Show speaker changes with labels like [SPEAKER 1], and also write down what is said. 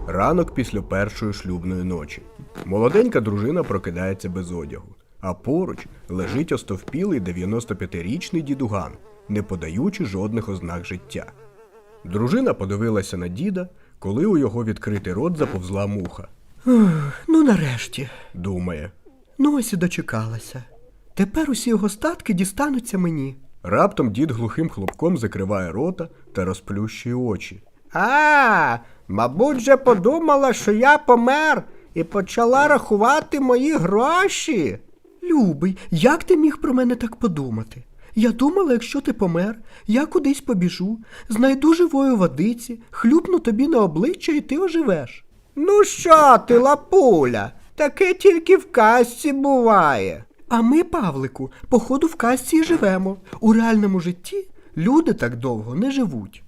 [SPEAKER 1] Ранок після першої шлюбної ночі. Молоденька дружина прокидається без одягу, а поруч лежить остовпілий 95-річний дідуган, не подаючи жодних ознак життя. Дружина подивилася на діда, коли у його відкритий рот заповзла муха.
[SPEAKER 2] Ну нарешті.
[SPEAKER 1] Думає.
[SPEAKER 2] Ну ось і дочекалася. Тепер усі його статки дістануться мені.
[SPEAKER 1] Раптом дід глухим хлопком закриває рота та розплющує очі.
[SPEAKER 2] Мабуть, же подумала, що я помер і почала рахувати мої гроші. Любий, як ти міг про мене так подумати? Я думала, якщо ти помер, я кудись побіжу, знайду живої водиці, хлюпну тобі на обличчя і ти оживеш. Ну що ти, лапуля, таке тільки в казці буває. А ми, Павлику, походу в казці і живемо. У реальному житті люди так довго не живуть.